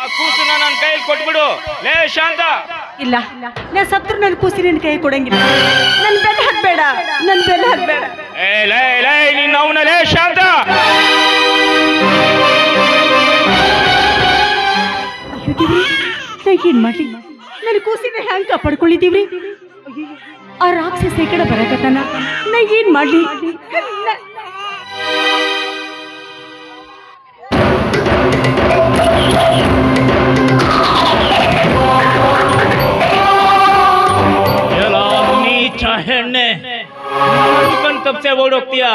ಕೂಸನ್ನ ನನ್ನ ಕೈಯಲ್ಲಿ ಕೊಟ್ಬಿಡು. ಲೇ ಶಾಂತ. ಇಲ್ಲ, ನಾ ಸತ್ರು ನನ್ನ ಕೂಸಿ ನಿನ್ನ ಕೈ ಕೊಡಂಗಿಲ್ಲ. ನನ್ನ ಬೆಲೆ ಹಾಕ್ಬೇಡ, ನನ್ನ ಬೆಲೆ ಹಾಕ್ಬೇಡ. ಲೇ ನಿನ್ನ ಅವನ ಲೇ ಶಾಂತ. ಏನ್ ಮಾಡ್ಲಿ? ನನ್ನ ಕೂಸಿನ ಹ್ಯಾಂಗ ಕಾಪಾಡ್ಕೊಳ್ಳಿದೀವ್ರಿ? ಆ ರಾಕ್ಷಸ ಈ ಕಡೆ ಬರಕತ್ತಾನ, ನಾ ಏನ್ ಮಾಡ್ಲಿ? ಹೆಣ್ಣೆ ತಪ್ಸೆ ಓಡೋಗ್ತೀಯ.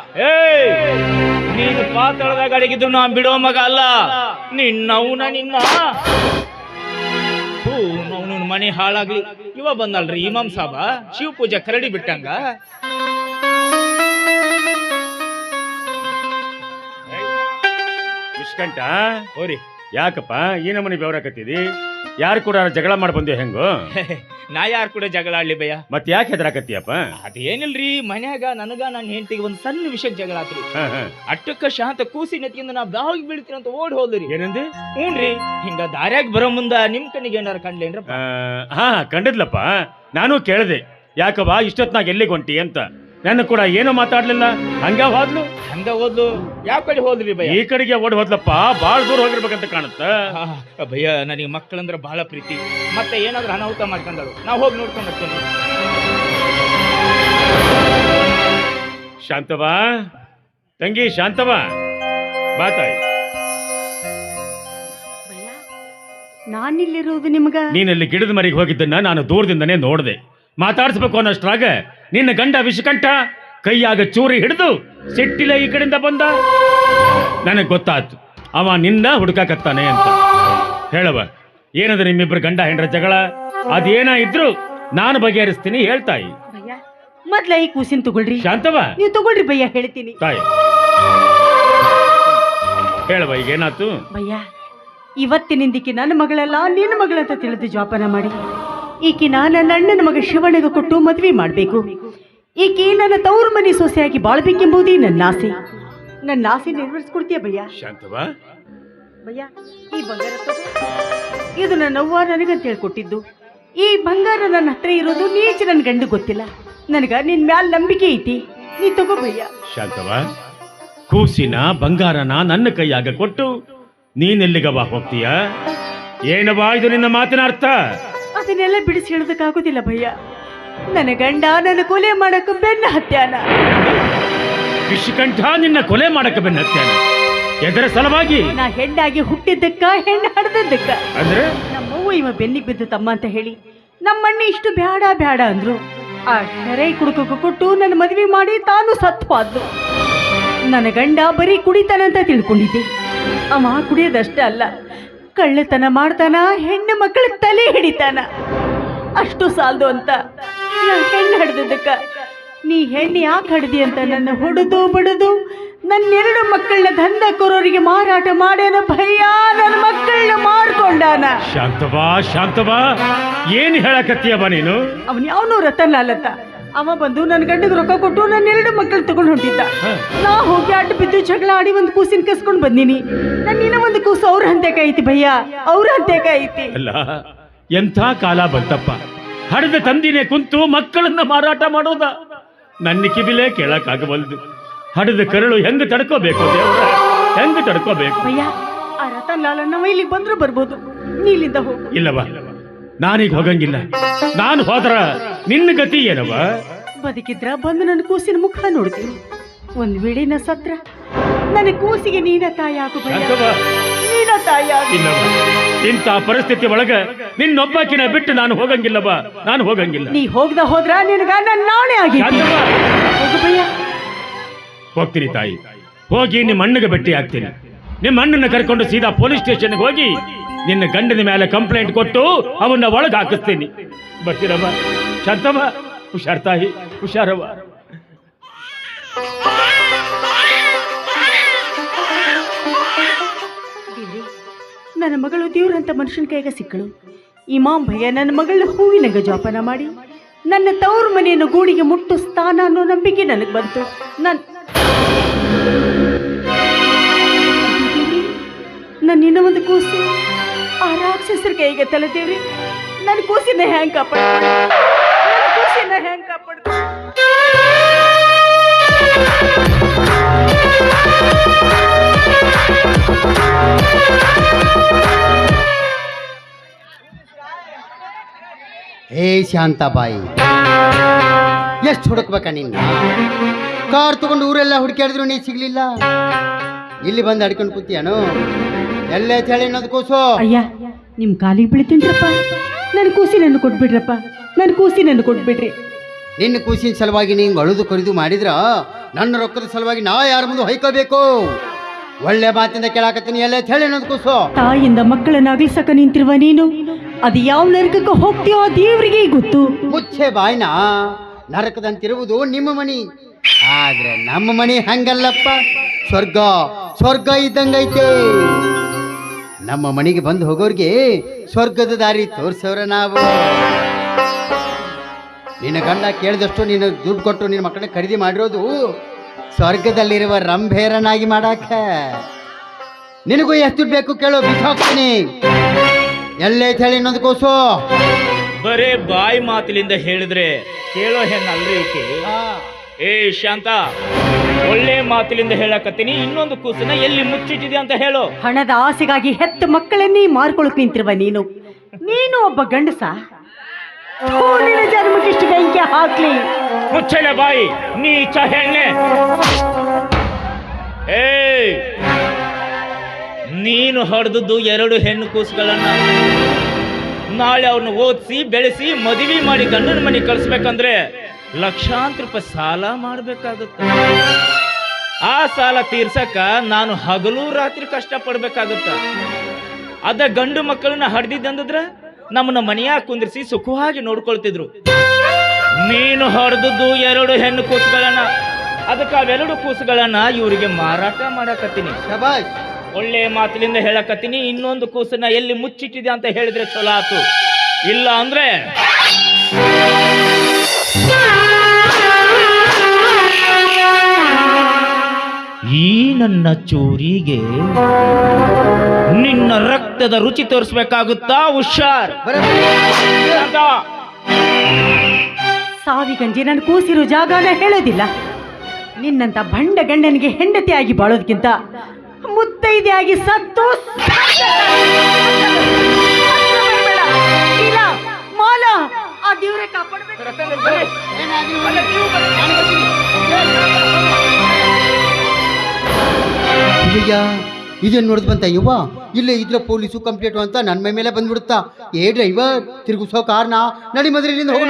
ನೀನು ಪಾತಾಳದಾಗ ಅಡಗಿದ್ರು ನಾ ಬಿಡೋ ಮಗ ಅಲ್ಲ. ನಿನ್ನವನ ಮನೆ ಹಾಳಾಗ್ಲಿ. ಇವ ಬಂದಲ್ರಿ ಇಮಾಮ್ ಸಾಬ, ಶಿವ ಪೂಜೆ ಕರಡಿ ಬಿಟ್ಟಂಗ. ವಿಷ್ಕಂಠ ಓರಿ, ಯಾಕಪ್ಪ ಈ ನಮ್ಮನೆ ಬೆವರಾಕತ್ತಿದಿ? ಯಾರು ಕೂಡ ಜಗಳ ಮಾಡಿ ಬಂದೇವ್ ಹೆಂಗೋ? ನಾ ಯಾರು ಕೂಡ ಜಗಳ ಆಡ್ಲಿ ಭಯ್ಯ. ಮತ್ ಯಾಕೆ ಹೆದರಾಕತ್ತಿಯಪ್ಪ? ಅದೇನಿಲ್ರಿ, ಮನ್ಯಾಗ ನನಗ ನನ್ನ ಹೆಂಡತಿಗೆ ಒಂದು ಸಣ್ಣ ವಿಷಯಕ್ಕೆ ಜಗಳ ಆತ್ರಿ. ಅಟ್ಟಕ್ಕ ಶಾಂತ ಕೂಸಿ ನೆತ್ಕಿಂದ ನಾ ಬಾವಿಗೆ ಬೀಳ್ತೀನಿ ಅಂತ ಓಡ್ ಹೋದ್ರಿ. ಏನಂದಿ? ಹ್ಞೂನ್ರಿ, ಹಿಂಗ ದಾರ್ಯಾಗ ಬರೋ ಮುಂದ ನಿಮ್ ಕಣ್ಣಿಗೆ ಏನಾರ ಕಂಡ್ಲೇನ್ರ? ಹಾ ಕಂಡಿದ್ಲಪ್ಪ, ನಾನು ಕೇಳಿದೆ ಯಾಕವ್ವ ಇಷ್ಟೊತ್ನಾಗ ಎಲ್ಲಿಗೆ ಹೊಂಟಿ ಅಂತ. ನನ್ನ ಕೂಡ ಏನು ಮಾತಾಡ್ಲಿಲ್ಲ, ಹಂಗ ಹೋದ್ಲು. ಹಂಗ ಹೋದ್ಲು? ಯಾವ ಕಡೆ ಹೋದ್ರಿ ಭಯ್ಯ? ಈ ಕಡೆಗೆ ಓಡಿ ಹೋದ್ಲಪ್ಪ, ಬಾಳ ದೂರ ಹೋಗಿರ್ಬೇಕಂತ ಕಾಣುತ್ತ. ಭಯ್ಯ, ನನಗೆ ಮಕ್ಕಳಂದ್ರ ಬಹಳ ಪ್ರೀತಿ. ಮತ್ತೆ ಏನಾದ್ರೂ ಅನಾಹುತ ಮಾಡ್ಕೊಂಡಳು, ನಾ ಹೋಗಿ ನೋಡ್ಕೊಂಡ್ ಬರ್ತೀನಿ. ಶಾಂತವಾ ತಂಗಿ, ಶಾಂತವಾ ಬಾ ತಾಯಿ. ನಾನಿಲ್ಲಿರೋದು ನಿಮ್ಗ? ನೀನಲ್ಲಿ ಗಿಡದ ಮರಿಗೆ ಹೋಗಿದ್ದನ್ನ ನಾನು ದೂರದಿಂದನೇ ನೋಡ್ದೆ. ಮಾತಾಡ್ಸ್ಬೇಕು ಅನ್ನೋಷ್ಟ್ರಾಗ ನಿನ್ನ ಗಂಡ ವಿಷಕಂಠ ಕೈಯಾಗ ಚೂರಿ ಹಿಡಿದು ಸಿಟ್ಟಿಲ ಈ ಕಡೆಯಿಂದ ಬಂದ. ನನಗೆ ಗೊತ್ತಾಯ್ತು ಅವ ನಿನ್ನ ಹುಡುಕಾಕತ್ತಾನೆ ಅಂತ. ಹೇಳವ, ಏನದ ನಿಮ್ಮಿಬ್ರು ಗಂಡ ಹೆಂಡ್ರ ಜಗಳ? ಅದೇನ ಇದ್ರು ನಾನು ಬಗೆಹರಿಸ್ತೀನಿ, ಹೇಳ್ತಾಯಿ. ಮೊದ್ಲ ಈ ಕೂಸಿನ ತಗೊಳ್ರಿ. ಶಾಂತವ, ನೀವು ತಗೊಳ್ರಿ ಭಯ್ಯ, ಹೇಳ್ತೀನಿ. ತಾಯಿ ಹೇಳವ, ಈಗ ಏನಾಯ್ತು? ಭಯ್ಯ, ಇವತ್ತಿನಿಂದಿಕ್ಕೆ ನನ್ನ ಮಗಳಲ್ಲ ನಿನ್ನ ಮಗಳಂತ ತಿಳಿದು ಜೋಪಾನ ಮಾಡಿ ಈಕಿ ನನ್ನ ಅಣ್ಣನ ಮಗ ಶಿವಣ್ಣಗೆ ಕೊಟ್ಟು ಮದ್ವೆ ಮಾಡ್ಬೇಕು. ಈಕಿ ನನ್ನ ತವರು ಮನೆ ಸೊಸೆಯಾಗಿ ಬಾಳ್ಬೇಕೆಂಬುದೇ ನನ್ನ ಆಸೆ. ನನ್ನ ಆಸೆ ನೆರವೇರಿಸ್ಕೊಡ್ತೀಯ ಭಯ್ಯ? ಶಾಂತವಾ, ಭಯ್ಯ, ಈ ಬಂಗಾರ ಇದು ನನ್ನ ಅವ್ವ ನನಗಂತ ಹೇಳ್ಕೊಟ್ಟಿದ್ದು. ಈ ಬಂಗಾರ ನನ್ನ ಹತ್ರ ಇರೋದು ನೀಚ ನನ್ನ ಗಂಡು ಗೊತ್ತಿಲ್ಲ. ನನಗ ನಿನ್ ಮ್ಯಾಲ ನಂಬಿಕೆ ಐತಿ, ನೀ ತಗೋ ಭಯ್ಯ. ಶಾಂತವಾ, ಕೂಸಿನ ಬಂಗಾರನ ನನ್ನ ಕೈಯಾಗ ಕೊಟ್ಟು ನೀನೆಲ್ಲಿಗವ ಹೋಗ್ತೀಯ? ಏನವಾ ಇದು ನಿನ್ನ ಮಾತಿನ ಅರ್ಥ? ಅದನ್ನೆಲ್ಲ ಬಿಡಿಸಿ ಹೇಳೋದಕ್ಕಾಗೋದಿಲ್ಲ ಭಯ್ಯ. ನನ್ನ ಗಂಡ ನನ್ನ ಕೊಲೆ ಮಾಡಕ್ಕೆ ಬೆನ್ನ ಹತ್ಯಾನ. ವಿಷಕಂಠ ನಿನ್ನ ಕೊಲೆ ಮಾಡಕ್ಕೆ ಬೆನ್ನ ಹತ್ಯಾನ? ಎದರ ಸಲವಾಗಿ? ನಾ ಹೆಣ್ಣಾಗಿ ಹುಟ್ಟಿದ್ದಕ್ಕ, ಹೆಣ್ಣು ಹಡ್ದದ್ದಕ್ಕ. ಅಂದ್ರೆ ನಮ್ಮವ್ವ ಇವ ಬೆನ್ನಿಗೆ ಬಿದ್ದು ತಮ್ಮ ಅಂತ ಹೇಳಿ ನಮ್ಮಣ್ಣ ಇಷ್ಟು ಬ್ಯಾಡ ಬ್ಯಾಡ ಅಂದ್ರು. ಆ ಶರೈ ಕುಡುಕಕ್ಕೆ ಕೊಟ್ಟು ನನ್ನ ಮದುವೆ ಮಾಡಿ ತಾನು ಸತ್ತು ಹೋದ್ಲು. ನನ್ನ ಗಂಡ ಬರೀ ಕುಡಿತಾನಂತ ತಿಳ್ಕೊಂಡಿದ್ದೆ. ಅವ ಕುಡಿಯೋದಷ್ಟೇ ಅಲ್ಲ, ಕಳ್ಳತನ ಮಾಡ್ತಾನ, ಹೆಣ್ಣು ಮಕ್ಕಳ ತಲೆ ಹಿಡಿತಾನ. ಅಷ್ಟು ಸಾಲದು ಅಂತ ನಾ ಹೆಣ್ಣು ಹಡ್ದಕ್ಕ ನೀ ಹೆಣ್ಣು ಯಾಕೆ ಹಡ್ದಿ ಅಂತ ನನ್ನ ಹೊಡೆದು ಬಡದು ನನ್ನೆರಡು ಮಕ್ಕಳನ್ನ ದಂಧಕೋರರಿಗೆ ಮಾರಾಟ ಮಾಡ್ಯಾನ ಭಯ್ಯ. ನನ್ನ ಮಕ್ಕಳನ್ನ ಮಾರ್ಕೊಂಡಾನ. ಶಾಂತವಾ, ಶಾಂತವಾ, ಏನ್ ಹೇಳಕತ್ತೀಯವ ನೀನು? ಅವನ್ ಯಾವನೂ ರತನ್ ಲಾಲತ್ತ. ಅವ ಬಂದು ನನ್ನ ಗಂಡಗೆ ರೊಕ್ಕ ಕೊಟ್ಟು ನನ್ನೆರಡು ಮಕ್ಕಳು ತಗೊಂಡು ಹೊಂಟಿದ್ದ. ನಾ ಹೋಗಿ ಅಡ್ಡ ಬಿದ್ದು ಜಗಳ ಆಡಿ ಒಂದು ಕೂಸಿನ ಕಸ್ಕೊಂಡ್ ಬಂದೀನಿ. ನನ್ನಿನ ಒಂದು ಕೂಸು ಅವ್ರ ಹಂತೆಕ ಐತಿ ಭಯ್ಯ, ಅವ್ರ ಹಂತೆಕ ಐತಿ. ಅಲ್ಲ, ಎಂಥ ಕಾಲ ಬಂತಪ್ಪ. ಹಡದ ತಂದಿನೇ ಕುಂತು ಮಕ್ಕಳನ್ನ ಮಾರಾಟ ಮಾಡೋದ ನನ್ನ ಕಿವಿಲೇ ಕೇಳಕ್ಕಾಗವಲ್ದು. ಹಡದ ಕರಳು ಹೆಂಗ ತಡ್ಕೋಬೇಕು ದೇವ್ರ, ಹೆಂಗ ತಡ್ಕೋಬೇಕು? ಭಯ್ಯ, ಆ ರತನ್ ಲಾಲನ್ನ ಇಲ್ಲಿಗೆ ಬಂದ್ರು ಬರ್ಬೋದು, ನೀಲಿಂದ ಹೋಗು. ಇಲ್ಲವ, ನಾನೀಗ ಹೋಗಂಗಿಲ್ಲ. ನಾನು ಹೋದ್ರ ನಿನ್ನ ಗತಿ ಏನವ? ಬದುಕಿದ್ರ ಬಂದು ನನ್ನ ಕೂಸಿನ ಮುಖ ನೋಡ್ತೀನಿ. ಒಂದ್ ವೇಳೆ ನ ಸತ್ರ ನನ್ನ ಕೂಸಿಗೆ ನೀನ ತಾಯಾಗು ಭಯ್ಯ, ನೀನ ತಾಯಾಗು. ಇಲ್ಲವ, ಇಂಥ ಪರಿಸ್ಥಿತಿ ಒಳಗ ನಿನ್ನೊಬ್ಬಾಕಿನ ಬಿಟ್ಟು ನಾನು ಹೋಗಂಗಿಲ್ಲವ, ನಾನು ಹೋಗಂಗಿಲ್ಲ. ನೀ ಹೋಗ್ದ ಹೋದ್ರ ನಿನಗ ನನ್ನ ನಾಳೆ ಆಗಿ ಹೋಗು ಭಯ್ಯ. ಹೋಗ್ತೀನಿ ತಾಯಿ, ಹೋಗಿ ನಿಮ್ಮ ಅಣ್ಣಗೆ ಭೇಟಿ ಆಗ್ತೀನಿ. ನಿಮ್ಮ ಅಣ್ಣನ ಕರ್ಕೊಂಡು ಸೀದಾ ಪೊಲೀಸ್ ಸ್ಟೇಷನ್ಗೆ ಹೋಗಿ ನಿನ್ನ ಗಂಡನ ಮೇಲೆ ಕಂಪ್ಲೇಂಟ್ ಕೊಟ್ಟು ಅವನ್ನ ಒಳಗೆ ಹಾಕಿಸ್ತೀನಿ. ಬರ್ತೀರಮ್ಮ? ಶಾಂತಮ್ಮ, ಹುಷಾರ್ ತಾಯಿ, ಹುಷಾರವ್ವ. ನನ್ನ ಮಗಳು ದೇವ್ರಂತ ಮನುಷ್ಯನ ಕೈಗ ಸಿಕ್ಕಳು. ಇಮಾಮ್ ಭಯ್ಯ ನನ್ನ ಮಗಳನ್ನ ಹೂವಿನಂಗ ಜೋಪಾನ ಮಾಡಿ ನನ್ನ ತವರು ಮನೆಯನ್ನು ಗೂಡಿಗೆ ಮುಟ್ಟಿಸ್ತಾನ ಅನ್ನೋ ನಂಬಿಕೆ ನನಗೆ ಬಂತು. ನನ್ನ ಇನ್ನೂ ಒಂದು ಕೂಸು ರಾಕ್ಷಸರ ಕೈಗೆ ತಲೆದೇವ್ರಿ ನನ್ನ ಕೂಸಿನ ಹೆಂಗ್ ಕಾಪಾಡ್ತಾರೆ ನನ್ನ ಕೂಸಿನ ಹೆಂಗ್ ಕಾಪಾಡ್ತಾರೆ ಹೇ ಶಾಂತಾಬಾಯಿ, ಎಷ್ಟು ಹುಡುಕ್ಬೇಕ ನಿನ್ನ? ಕಾರ್ ತಗೊಂಡು ಊರೆಲ್ಲ ಹುಡುಕಾಡಿದ್ರು ನೀ ಸಿಗ್ಲಿಲ್ಲ, ಇಲ್ಲಿ ಬಂದು ಅಡ್ಕೊಂಡು ಕೂತಿಯಾನು? ಎಲ್ಲೇ ಚಳಿ ಅನ್ನೋದು ಕೂಸು. ಅಯ್ಯ ನಿಮ್ ಕಾಲಿಗೆ ಬೀಳ್ತೀನ್ರಪ್ಪ, ನನ್ನ ಕೂಸಿನನ್ನು ಕೊಟ್ಬಿಡ್ರಪ್ಪ, ನನ್ನ ಕೂಸಿನನ್ನು ಕೊಟ್ಬಿಡ್ರಿ. ನಿನ್ನ ಕೂಸಿನ ಸಲುವಾಗಿ ನೀನು ಅಳುದು ಕರಿದು ಮಾಡಿದ್ರ ನನ್ನ ರೊಕ್ಕದ ಸಲುವಾಗಿ ನಾ ಯಾರ ಮುಂದೆ ಹೊಯ್ಕೋಬೇಕು? ಒಳ್ಳೆ ಮಾತಿಂದ ಕೇಳಾಕತ್ತೀನಿ, ಎಲ್ಲೇ ಚಳಿ ಅನ್ನೋದು ಕೂಸು. ತಾಯಿಯಿಂದ ಮಕ್ಕಳನ್ನ ಅಗಲಿಸಕ ನಿಂತಿರುವ ನೀನು ಅದು ಯಾವ ನರಕಕ್ಕೆ ಹೋಗ್ತೀಯೋ ಆ ದೇವರಿಗೆ ಗೊತ್ತು. ಮುಚ್ಚೆ ಬಾಯ್ನ, ನರಕದಂತಿರುವುದು ನಿಮ್ಮ ಮನಿ, ಆದ್ರೆ ನಮ್ಮ ಮನಿ ಹಂಗಲ್ಲಪ್ಪ. ಸ್ವರ್ಗ ಸ್ವರ್ಗ ಇದ್ದಂಗೈತೆ. ನಮ್ಮ ಮನೆಗೆ ಬಂದು ಹೋಗೋರಿಗೆ ಸ್ವರ್ಗದ ದಾರಿ ತೋರ್ಸವ್ರ ನಾವು. ನಿನ್ನ ಗಂಡ ಕೇಳಿದಷ್ಟು ನೀನು ದುಡ್ಡು ಕೊಟ್ಟು ನಿನ್ನ ಮಕ್ಕಳನ್ನ ಖರೀದಿ ಮಾಡಿರೋದು ಸ್ವರ್ಗದಲ್ಲಿರುವ ರಂಭೇರನಾಗಿ ಮಾಡಾಕ. ನಿನಗೂ ಎಷ್ಟು ದುಡ್ಡು ಬೇಕು ಕೇಳೋ, ಬಿಸಾಕ್ತೀನಿ. ಎಲ್ಲೇ ಹೇಳಿ ಇನ್ನೊಂದು ಕೂಸು. ಬರೇ ಬಾಯಿ ಮಾತಿಲಿಂದ ಹೇಳಿದ್ರೆ ಕೇಳೋ ಹೆಣ್ಣಲ್ರಿ ಈಕೆ. ಏ ಶಾಂತ, ಒಳ್ಳೆ ಮಾತಿಲಿಂದ ಹೇಳಕತ್ತೀನಿ, ಇನ್ನೊಂದು ಕೂಸನ್ನ ಎಲ್ಲಿ ಮುಚ್ಚಿಟ್ಟಿದೆ ಅಂತ ಹೇಳು. ಹಣದ ಆಸೆಗಾಗಿ ಹೆತ್ತ ಮಕ್ಕಳನ್ನೇ ಮಾರ್ಕೊಳಕ್ ನಿಂತಿರುವ ನೀನು ಒಬ್ಬ ಗಂಡಸ? ನಿನ್ನ ಜನ್ಮಕ್ಕಿಷ್ಟು ಬೆಂಕಿ ಹಾಕ್ಲಿ. ಮುಚ್ಚಲೆ ಬಾಯಿ ನೀಚ ಹೆಣ್ಣೆ. ಏ ನೀನು ಹೊಡೆದದ್ದು 2 ಹೆಣ್ಣು ಕೂಸುಗಳನ್ನ. ನಾಳೆ ಅವ್ರನ್ನ ಓದಿಸಿ ಬೆಳೆಸಿ ಮದುವೆ ಮಾಡಿ ಗಂಡನ ಮನೆಗೆ ಕಳಿಸ್ಬೇಕಂದ್ರೆ ಲಕ್ಷಾಂತರ ರೂಪಾಯಿ ಸಾಲ ಮಾಡಬೇಕಾಗುತ್ತೆ. ಆ ಸಾಲ ತೀರ್ಸಕ ನಾನು ಹಗಲು ರಾತ್ರಿ ಕಷ್ಟ ಪಡ್ಬೇಕಾಗುತ್ತ. ಅದ ಗಂಡು ಮಕ್ಕಳನ್ನ ಹಡ್ದಿದ್ದಂದ್ರೆ ನಮ್ಮನ್ನ ಮನೆಯಾಗ ಕುಂದಿರಿಸಿ ಸುಖವಾಗಿ ನೋಡ್ಕೊಳ್ತಿದ್ರು. ನೀನು ಹೊಡೆದದ್ದು 2 ಹೆಣ್ಣು ಕೂಸುಗಳನ್ನ. ಅದಕ್ಕೆ ಅವೆರಡು ಕೂಸುಗಳನ್ನ ಇವರಿಗೆ ಮಾರಾಟ ಮಾಡಕತ್ತೀನಿ. ಒಳ್ಳೆ ಮಾತಿನಿಂದ ಹೇಳಕತ್ತೀನಿ, ಇನ್ನೊಂದು ಕೂಸನ್ನ ಎಲ್ಲಿ ಮುಚ್ಚಿಟ್ಟಿದೆ ಅಂತ ಹೇಳಿದ್ರೆ ಚಲೋ ಆತು. ಇಲ್ಲ ಅಂದ್ರೆ ಈ ನನ್ನ ಚೂರಿಗೆ ನಿನ್ನ ರಕ್ತದ ರುಚಿ ತೋರಿಸ್ಬೇಕಾಗುತ್ತಾ? ಹುಷಾರ್. ಸಾವಿಗಂಜಿ ನಾನು ಕೂಸಿರೋ ಜಾಗನ ಹೇಳೋದಿಲ್ಲ. ನಿನ್ನಂತ ಬಂಡ ಗಂಡನಿಗೆ ಹೆಂಡತಿಯಾಗಿ ಬಾಳೋದಕ್ಕಿಂತ ಮುತ್ತೈದೆಯಾಗಿ ಸತ್ತು ಇಲ್ಲ ಮಾಲ ಆ ದೇವ್ರೆ ಕಾಪಾಡಬೇಕು. ಇದೇನು ನೋಡಿದ್ ಬಂತ ಯುವ? ಇಲ್ಲೇ ಇದ್ರ ಪೊಲೀಸು ಕಂಪ್ಲೇಂಟ್ ಅಂತ ನನ್ನ ಮೈ ಮೇಲೆ ಬಂದ್ಬಿಡುತ್ತಾ. ಏ ಡ್ರೈವರ್, ತಿರುಗಿಸೋ ಕಾರ್ನ ನಡಿ ಮದ್ರಿಲಿಂದ ಹೋಗೋಣ.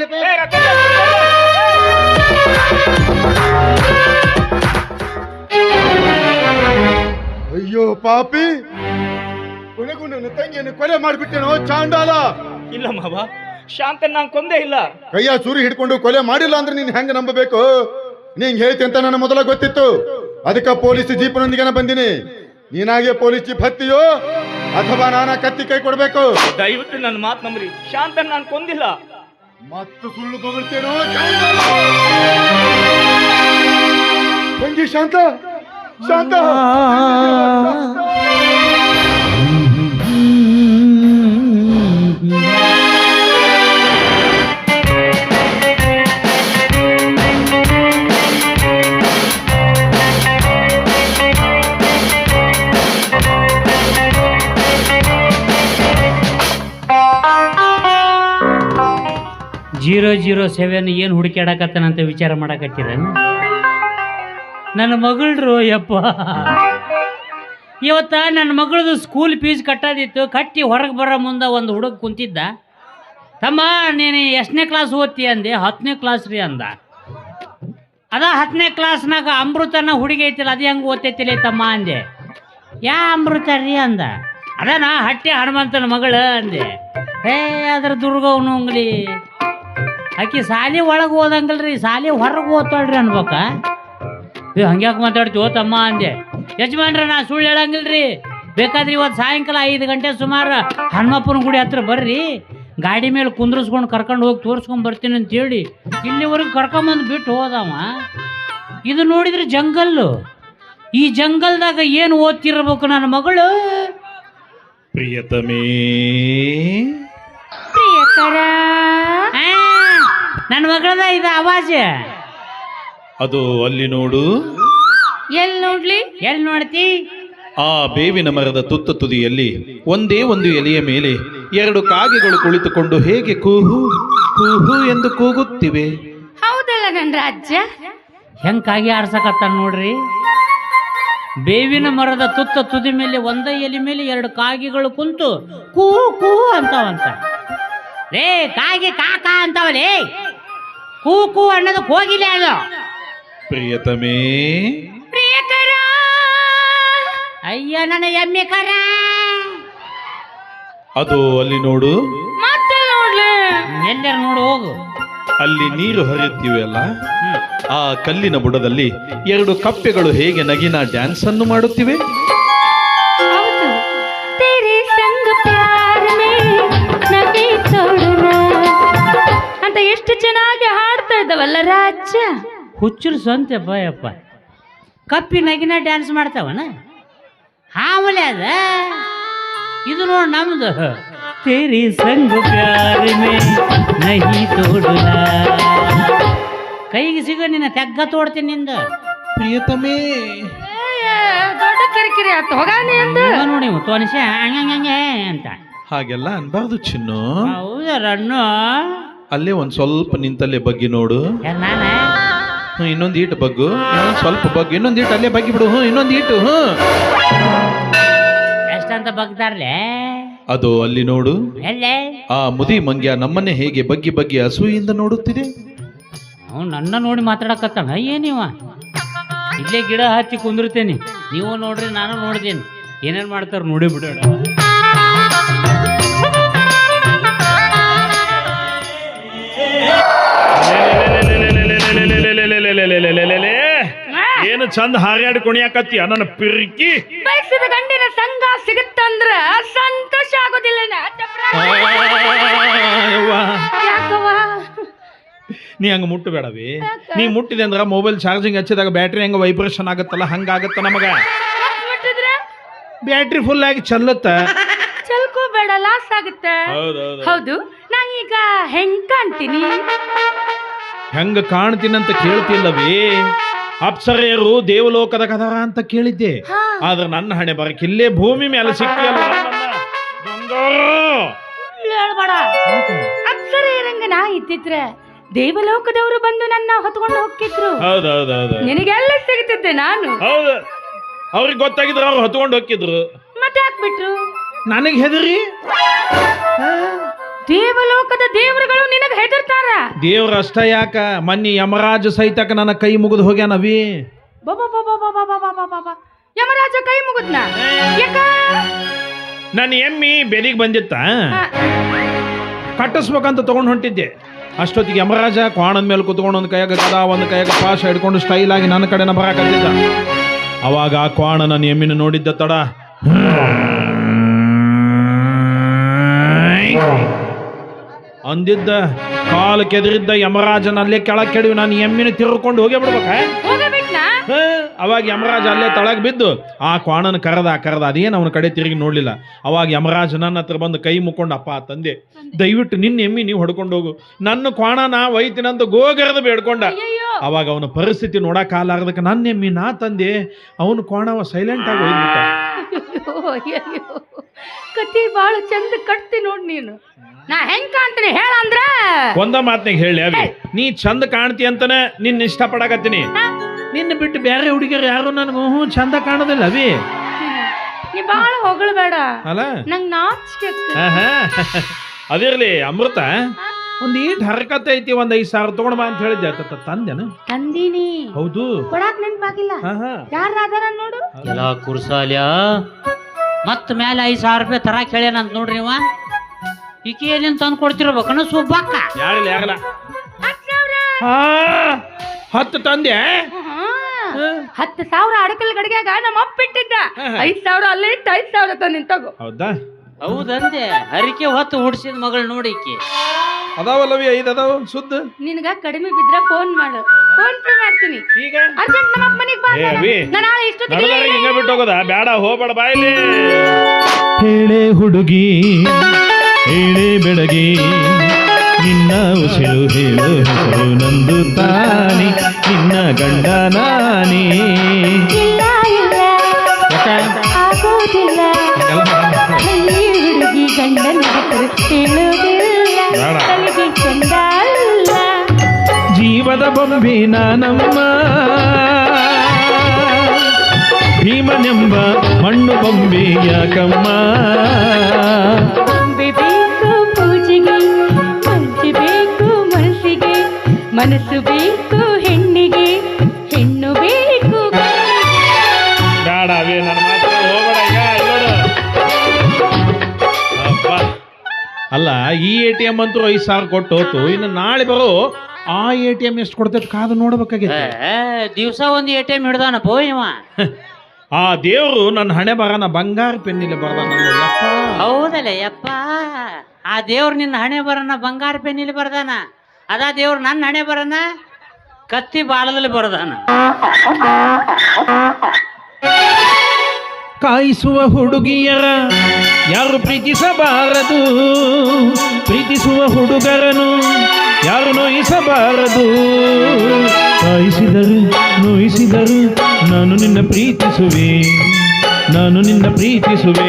ಅಯ್ಯೋ ಪಾಪಿ, ಕೊನೆಗೂ ನನ್ನ ತಂಗಿಯನ್ನು ಕೊಲೆ ಮಾಡಿಬಿಟ್ಟೇನೋ ಚಾಂಡಾಲ. ಇಲ್ಲ ಮಾವ, ಶಾಂತನ್ ನಾನು ಕೊಂದೇ ಇಲ್ಲ. ಕೈಯ ಚೂರಿ ಹಿಡ್ಕೊಂಡು ಕೊಲೆ ಮಾಡಿಲ್ಲ ಅಂದ್ರೆ ನೀನ್ ಹೆಂಗ ನಂಬಬೇಕು? ನೀನ್ ಹೇಳ್ತಿ ಅಂತ ನನ್ನ ಮೊದಲ ಗೊತ್ತಿತ್ತು. ಅದಕ್ಕೆ ಪೊಲೀಸ್ ಜೀಪ್ನೊಂದಿಗೆ ಬಂದಿನಿ. ನೀನಾಗೆ ಪೊಲೀಸ್ ಜೀಪ್ ಹತ್ತಿಯೋ ಅಥವಾ ನಾನ ಕತ್ತಿ ಕೈ ಕೊಡ್ಬೇಕು? ದಯವಿಟ್ಟು ನನ್ನ ಮಾತು ನಂಬ್ರಿ, ಶಾಂತನ್ ನಾನು ಕೊಂದಿಲ್ಲ. ಮತ್ತು ಸುಳ್ಳು ಬೊಗಳ್ತೇನೋ ತಂಗಿ. ಶಾಂತ ಶಾಂತ ಜೀರೋ 07 ಏನು ಹುಡುಕಾಡಕತ್ತಾನಂತ ವಿಚಾರ ಮಾಡಕತ್ತೀರೇನು? ನನ್ನ ಮಗಳರು ಯಪ್ಪ, ಇವತ್ತ ನನ್ನ ಮಗಳದು ಸ್ಕೂಲ್ ಫೀಸ್ ಕಟ್ಟೋದಿತ್ತು. ಕಟ್ಟಿ ಹೊರಗೆ ಬರೋ ಮುಂದೆ ಒಂದು ಹುಡುಗ ಕುಂತಿದ್ದ. ತಮ್ಮ ನೀನು ಎಷ್ಟನೇ ಕ್ಲಾಸ್ ಓದ್ತಿ ಅಂದೆ? 10ನೇ ಕ್ಲಾಸ್ ರೀ ಅಂದ. ಅದ 10ನೇ ಕ್ಲಾಸ್ನಾಗ ಅಮೃತನ ಹುಡುಗಿ ಐತಿಲ್ಲ, ಅದು ಹೆಂಗೆ ಓದ್ತೈತಿಲ್ಲ ತಮ್ಮ ಅಂದೆ. ಯಾ ಅಮೃತ ರೀ ಅಂದ. ಅದನಾ ಹಟ್ಟಿ ಹನುಮಂತನ ಮಗಳು ಅಂದೆ. ಅದ್ರ ದುರ್ಗವನು ಅಂಗ್ಲಿ ಆಕಿ ಸಾಲಿ ಒಳಗೆ ಓದಂಗಲ್ರಿ, ಸಾಲಿ ಹೊರಗೆ ಓದ್ತಾಳ್ರಿ ಅನ್ಬೇಕ. ಹಂಗ್ಯಾಕೆ ಮಾತಾಡ್ತೀವೋ ತಮ್ಮ ಅಂದೆ. ಯಜಮಾನ್ರ ನಾ ಸುಳ್ಳು ಹೇಳಂಗಿಲ್ರಿ, ಬೇಕಾದ್ರೆ ಇವತ್ತು ಸಾಯಂಕಾಲ 5 ಗಂಟೆ ಸುಮಾರು ಹನುಮಪ್ಪನ ಗುಡಿ ಹತ್ರ ಬರ್ರಿ, ಗಾಡಿ ಮೇಲೆ ಕುಂದ್ರಿಸ್ಕೊಂಡು ಕರ್ಕೊಂಡು ಹೋಗಿ ತೋರಿಸ್ಕೊಂಡು ಬರ್ತೀನಿ ಅಂತೇಳಿ ಇಲ್ಲಿವರೆಗೆ ಕರ್ಕೊಂಬಂದು ಬಿಟ್ಟು ಹೋದವ. ಇದು ನೋಡಿದ್ರೆ ಜಂಗಲ್ಲು. ಈ ಜಂಗಲ್ದಾಗ ಏನು ಓದ್ತಿರ್ಬೇಕು ನನ್ನ ಮಗಳು? ಪ್ರಿಯತಮೇ ಪ್ರಿಯಕರ ನನ್ನ ಮಗಳದ ಇದು ಆವಾಜ. ಅದು ಅಲ್ಲಿ ನೋಡು. ಎಲ್ಲಿ ನೋಡ್ಲಿ? ಎಲ್ಲಿ ನೋಡ್ತಿ? ಆ ಬೇವಿನ ಮರದ ತುತ್ತ ತುದಿಯಲ್ಲಿ ಒಂದೇ ಒಂದು ಎಲೆಯ ಮೇಲೆ 2 ಕಾಗೆಗಳು ಕುಳಿತುಕೊಂಡು ಹೇಗೆ ಕೂಹು ಕೂಹು ಎಂದು ಕೂಗುತ್ತಿವೆ. ಹೌದಲ್ಲ ನನ್ನ ರಾಜ್ಯ. ಹೆಂಗಾಗಿ ಆಡ್ಸಕತ್ತ ನೋಡ್ರಿ. ಬೇವಿನ ಮರದ ತುತ್ತ ತುದಿ ಮೇಲೆ ಒಂದ ಎಲೆ ಮೇಲೆ 2 ಕಾಗೆಗಳು ಕುಂತು ಕೂ ಕೂ ಅಂತಾವಂತ. ರೇ ಕಾಗೆ ಕಾಕ ಅಂತಾವಲೇ. ಕೂ ಕೂ ಅನ್ನೋದು ಹೋಗಿಲ್ಲ ಅದು. ಪ್ರಿಯತಮೇ ಪ್ರಿಯಕರ. ಅಯ್ಯ ನನ್ನ ಎಮ್ಮೆ ಕರ. ಅದು ಅಲ್ಲಿ ನೋಡು. ಮತ್ತೆ ನೋಡ್ಲಿ? ಎಲ್ಲರೂ ನೋಡು ಹೋಗು. ಅಲ್ಲಿ ನೀರು ಹರಿಯುತ್ತಿವೆ ಅಲ್ಲ, ಆ ಕಲ್ಲಿನ ಬುಡದಲ್ಲಿ 2 ಕಪ್ಪೆಗಳು ಹೇಗೆ ನಗಿನ ಡ್ಯಾನ್ಸ್ ಅನ್ನು ಮಾಡುತ್ತಿವೆ. ಹೌದು. ತೇರೆ ಸಂಗ ಪ್ಯಾರ್ ಮೇ ನಗೆ ತೋಡನಾ ಅಂತ ಎಷ್ಟು ಚೆನ್ನಾಗಿ ಹಾಡ್ತಾ ಇದ್ದವಲ್ಲ ರಾಜ್ಯ. ಹುಚ್ಚರು ಸ್ವಂತ ಯಪ್ಪ. ಕಪ್ಪಿ ನಗಿನ ಡ್ಯಾನ್ಸ್ ಮಾಡ್ತಾವನ ಹಾವಲೆ ಅದ. ಇದು ನೋಡಿ ನಮ್ದು. ತೇರಿ ಸಂಗ ಪ್ಯಾರ್ ಮೇ ನಹಿ ತೋಡನಾ. ಕೈಗೆ ಸಿಗ ನಿನ್ನ ತೆಗ್ಗ ತೋಡ್ತೀನಿ ನಿಂದ. ಪ್ರಿಯತಮೇ ದೊಡ್ಡ ಕಿರಿಕಿರಿ ಆತು ಹೋಗಾನೆ ಅಂದ ನೋಡಿ ತೋನಿಸಿ ಹಂಗೆ ಅಂತ. ಹಾಗೆಲ್ಲ ಅನ್ಬಾರ್ದು ಚಿನ್ನು. ಹೌದರನ್ನು ಅಲ್ಲೇ ಒಂದ್ ಸ್ವಲ್ಪ ನಿಂತಲ್ಲೇ ಬಗ್ಗಿ ನೋಡು. ನಾನ ಇನ್ನೊಂದು ಈಟು ಬಗ್ಗು. ಸ್ವಲ್ಪ ಬಗ್ಗು. ಇನ್ನೊಂದು ಈಟು ಅಲ್ಲೇ ಬಗ್ಗಿ ಬಿಡು. ಇನ್ನೊಂದು ಈಟು. ಎಷ್ಟಂತ ಬಗ್ದಾರ್ಲೆ. ಅದು ಅಲ್ಲಿ ನೋಡು. ಎಲ್ಲೇ? ಆ ಮುದಿ ಮಂಗ್ಯ ನಮ್ಮನ್ನೇ ಹೇಗೆ ಬಗ್ಗಿ ಬಗ್ಗಿ ಅಸೂಯಿಂದ ನೋಡುತ್ತಿದೆ. ಅವ್ನು ನನ್ನ ನೋಡಿ ಮಾತಾಡಕತ್ತಾನ. ಏನಿವ ಇಲ್ಲೇ ಗಿಡ ಹಚ್ಚಿ ಕುಂದಿರ್ತೇನೆ. ನೀವು ನೋಡ್ರಿ ನಾನು ನೋಡ್ದೇನೆ. ಏನೇನು ಮಾಡ್ತಾರ ನೋಡಿ ಬಿಡೋಣ. ಏನು ಚಂದ ಹಾರ್ಯಾಡಿ ಕುಣಿಯಾಕತ್ತಿ ನನ್ನ ಪಿರ್ಕಿ. ಬಯಸಿದ ಗಂಡಿನ ಸಂಘ ಸಿಗುತ್ತಂದ್ರ ಸಂತೋಷ ಆಗೋದಿಲ್ಲ. ಯಾಕವ್ವ? ನೀ ಹಂಗ ಮುಟ್ಟಬೇಡವಿ. ನೀ ಮುಟ್ಟಿದೆ ಅಂದ್ರ ಮೊಬೈಲ್ ಚಾರ್ಜಿಂಗ್ ಹಚ್ಚಿದಾಗ ಬ್ಯಾಟ್ರಿ ಹೆಂಗ ವೈಬ್ರೇಷನ್ ಆಗತ್ತಲ್ಲ ಹಂಗಾಗತ್ತ ನಮಗ. ಬ್ಯಾಟ್ರಿ ಫುಲ್ ಆಗಿ ಚಲ್ಲತ್ತ. ಚಲ್ಕೋಬೇಡ, ಲಾಸ್ ಆಗುತ್ತೆ. ಹೌದು. ನಾನೀಗ ಹೆಂಗ್ ಕಾಣ್ತೀನಿ? ಹೆಂಗ ಕಾಣ್ತೀನಂತ ಕೇಳ್ತಿಲ್ಲವೇ? ಅಪ್ಸರೆಯರು ದೇವಲೋಕದ ಕದಾರ ಅಂತ ಕೇಳಿದ್ದೆ. ಆದ್ರೆ ನನ್ನ ಹಣೆ ಬರಕಿಲ್ಲೇ ಭೂಮಿ ಮೇಲೆ ಸಿಕ್ಕಿಯಲ್ಲ. ಹೇಳ್ಬೇಡ. ಅಪ್ಸರೆಯರಂಗ ನಾ ಇದ್ದಿದ್ರೆ ದೇವಲೋಕದವರು ಬಂದು ನನ್ನ ಹೊತ್ಕೊಂಡು ಹೋಗ್ತಿದ್ರು. ಹೌದೌದೌದು. ನಿನಗೆಲ್ಲ ಸಿಗುತ್ತಿದ್ದೆ ನಾನು. ಹೌದು. ಅವ್ರಿಗೆ ಗೊತ್ತಾಗಿದ್ರು ಅವ್ರು ಹೊತ್ಕೊಂಡು ಹೋಗಿದ್ರು. ಮತ್ತೆ ಹಾಕ್ಬಿಟ್ರು. ನನಗೆ ಹೆದರಿ. ದೇವಲೋಕದ ದೇವರುಗಳು ನಿನಗೆ ಹೆದರ್ತಾರ. ದೇವ್ರ ಅಷ್ಟ ಯಾಕ, ಮನ್ನಿ ಯಮರಾಜ ಸಹಿತಕ ನನ್ನ ಕೈ ಮುಗಿದು ಹೋಗ್ಯಾನವಿ. ಯಮರಾಜ ಕೈ ಮುಗಿದ್ನ? ಯಾಕ? ನನ್ನ ಎಮ್ಮಿ ಬೆದಿಗೆ ಬಂದಿತ್ತ, ಕಟ್ಟಿಸ್ಬೇಕಂತ ತಗೊಂಡು ಹೊಂಟಿದ್ದೆ. ಅಷ್ಟೊತ್ತಿಗೆ ಯಮರಾಜ ಕ್ವಾಣದ ಮೇಲೆ ಕುತ್ಕೊಂಡು ಒಂದು ಕೈಯಾಗ ಗದ ಒಂದು ಕೈಯಾಗ ಪಾಶ ಹಿಡ್ಕೊಂಡು ಸ್ಟೈಲ್ ಆಗಿ ನನ್ನ ಕಡೆನ ಬರಾಕತ್ತಿದ್ದ. ಅವಾಗ ಆ ಕ್ವಾಣ ನನ್ನ ಎಮ್ಮಿನ ನೋಡಿದ್ದ ತಡ ಅಂದಿದ್ದ. ಕಾಲು ಕೆದರಿದ್ದ ಯಮರಾಜನ ಅಲ್ಲೇ ಕೆಳಗೆ ಕೆಡವಿ ನಾನು ಎಮ್ಮಿನ ತಿರ್ಕೊಂಡು ಹೋಗೇ ಬಿಡ್ಬೇಕ. ಅವಾಗ ಯಮರಾಜ ಅಲ್ಲೇ ತಳಗ್ ಬಿದ್ದು ಆ ಕ್ವಾಣನ ಕರೆದ ಅದೇನು ಅವನ ಕಡೆ ತಿರುಗಿ ನೋಡ್ಲಿಲ್ಲ. ಅವಾಗ ಯಮರಾಜ ನನ್ನ ಹತ್ರ ಬಂದು ಕೈ ಮುಕ್ಕೊಂಡು, ಅಪ್ಪ ತಂದೆ ದಯವಿಟ್ಟು ನಿನ್ನ ಎಮ್ಮಿ ನೀವು ಹೊಡ್ಕೊಂಡು ಹೋಗು, ನನ್ನ ಕ್ವಾಣ ನಾ ಒಯ್ತೀನಂತ ಗೋಗರದ ಬೇಡ್ಕೊಂಡ. ಅವಾಗ ಅವನ ಪರಿಸ್ಥಿತಿ ನೋಡಕ್ಕಾಲಾರ್ದಕ್ಕೆ ನನ್ನ ಎಮ್ಮಿ ನಾ ತಂದೆ ಅವನು ಕ್ವಾಣವ ಸೈಲೆಂಟ್ ಆಗಿ ಒಯ್ದ್ಬಿಟ್ಟ. ಕತಿ ಬಾಳ ಚಂದ ಕಟ್ತಿ ನೋಡ್ ನೀನು. ನಾ ಹೆಂಗ್ ಕಾಣ್ತೀನಿ ಹೇಳ ಅಂದ್ರ ಒಂದ ಮಾತ್ನಾಗ ಹೇಳಿ ಅವಿ, ನೀ ಚಂದ ಕಾಣ್ತಿ ಅಂತಾನೆ ನಿನ್ನ ಇಷ್ಟ ಪಡಕತ್ತೀನಿ. ನಿನ್ನ ಬಿಟ್ಟು ಬೇರೆ ಹುಡುಗಿಯರು ಯಾರು ನನಗೂ ಚಂದ ಕಾಣೋದಿಲ್ಲ ಅವಿ. ನೀ ಬಾಳ ಹೊಗಳಬೇಡ ಅಲ್ಲ, ನಂಗ್ ನಾಚಿಕೆ. ಅದಿರ್ಲಿ ಅಮೃತ, ಒಂದ್ ಈಟ್ ಹರಕತೆ ಐತಿ, ಒಂದ್ 5,000 ತಗೊಂಡ್ ಬಾ ಅಂತ ಹೇಳಿದ್ದೆ. ತಂದೆನ? ತಂದೀನಿ. ಹೌದು. ಕೊಡಾಕ್ ನೆನ್ಪಾಗಿಲ್ಲ. ಯಾರ ಅದಾರ ನೋಡು. ಎಲ್ಲ ಕುರ್ಸಾಲ್ಯ ಮತ್ತ ಮೇಲೆ 5,000 ರೂಪಾಯಿ ತರ ಕೇಳ್ಯಾನಂತ ನೋಡ್ರಿ ಇವ. ಈಕೆ ಏನೇನು ತಂದು ಕೊಡ್ತಿರ್ಬೇಕನ್ನ ಸುಬ್ಬಕ್ಕ. ಯಾರಿಲ್ಲ ಯಾರಲ್ಲ 10 ತಂದೆ. 10,000 ಅಡಕಲ್ ಗಡಿಗ್ಯಾಗ ನಮ್ಮ ಅಪ್ಪ ಇಟ್ಟಿದ್ದ. 5,000 ಅಲ್ಲೇ ಇಟ್ಟು 5,000 ತಂದಿನ್ ತಗೋ. ಹೌದಾ? ಹೌದಂದೆ. ಹರಿಕೆ ಹೊತ್ತು ಹುಡ್ಸಿದ ಮಗಳು ನೋಡಿ ಈಕೆ. ಅದಾವಲ್ಲವಿ 5 ಅದಾವ ಸುದ್ದ. ನಿನಗ ಕಡಿಮೆ ಬಿದ್ರ ಫೋನ್ ಮಾಡು, ಫೋನ್ ಪೇ ಮಾಡ್ತೀನಿ. ಈಗ ಅರ್ಜೆಂಟ್ ನಮ್ಮ ಅಪ್ಪ ಮನೆಗೆ ಬಾ. ನಾನು ನಾಳೆ ಇಷ್ಟೊತ್ತಿಗೆ ಹಿಂಗ ಬಿಟ್ಟು ಹೋಗೋದ? ಬೇಡ, ಹೋಗ್ಬೇಡ ಬಾಯಿಲಿ. ಹೇಳೆ ಹುಡುಗಿ ಹೇಳೆ ಬೆಳಗಿ ನಿನ್ನ ಉಸಿರು ಹೇಳು ಹೆಸರು ನಂದು ತಾನೆ ನಿನ್ನ ಗಂಡ ನಾನೇ. ಇಲ್ಲ ಇಲ್ಲ ಆಗೋದಿಲ್ಲ ಹುಡುಗಿ ಗಂಡನ ಹೆಸರು ಹೇಳೋದಿಲ್ಲ ತಲೆಗೆ ಚಂದ ಅಲ್ಲ. ಜೀವದ ಬೊಂಬೆ ನಾನಮ್ಮ ಭೀಮನೆಂಬ ಮಣ್ಣು ಬೊಂಬೆ ಯಾಕಮ್ಮ. ಬೊಂಬೆ ಬೇಕು ಪೂಜೆಗೆ ಮಂಚು ಬೇಕು ಮನಸ್ಸಿಗೆ ಮನಸ್ಸು ಬೇಕು ಹೆಣ್ಣಿಗೆ ಹೆಣ್ಣು ಬೇಕು ಬೇಡ ಅವೇ ನನ್ನ ಮಾತ್ರ ಹೋಗಬೇಡ ಈಗ ನೋಡು. ಅಪ್ಪ ಅಲ್ಲ ಈ ATM ಅಂತೂ 5,000 ಕೊಟ್ಟು ಹೋತು, ಇನ್ನು ನಾಳೆ ಬರೋ ಆ ATM ಎಷ್ಟು ಕೊಡ್ತೈತೆ ಕಾದು ನೋಡ್ಬೇಕಾಗಿತ್ತು. ದಿವಸ ಒಂದು ATM ಹಿಡ್ದಾನಪ್ಪ ಇವ. ಆ ದೇವರು ನನ್ನ ಹಣೆ ಬರನ ಬಂಗಾರ ಪೆನ್ನಿಲೆ ಬರ್ದಾನ. ಹೌದಲ್ಲ ಯಪ್ಪ, ಆ ದೇವ್ರು ನಿನ್ನ ಹಣೆ ಬರನ ಬಂಗಾರ ಪೆನ್ನಿಲಿ ಬರ್ದಾನ, ಅದಾ ದೇವ್ರು ನನ್ನ ಹಣೆ ಬರನ ಕತ್ತಿ ಬಾಳದಲ್ಲಿ ಬರ್ದಾನ. ಕಾಯಿಸುವ ಹುಡುಗಿಯರ ಯಾರು ಪ್ರೀತಿಸಬಾರದು, ಪ್ರೀತಿಸುವ ಹುಡುಗರನು ಯಾರು ನೋಯಿಸಬಾರದು. ಕಾಯಿಸಿದರು ನೋಯಿಸಿದರು ನಾನು ನಿನ್ನ ಪ್ರೀತಿಸುವೆ, ನಾನು ನಿನ್ನ ಪ್ರೀತಿಸುವೆ.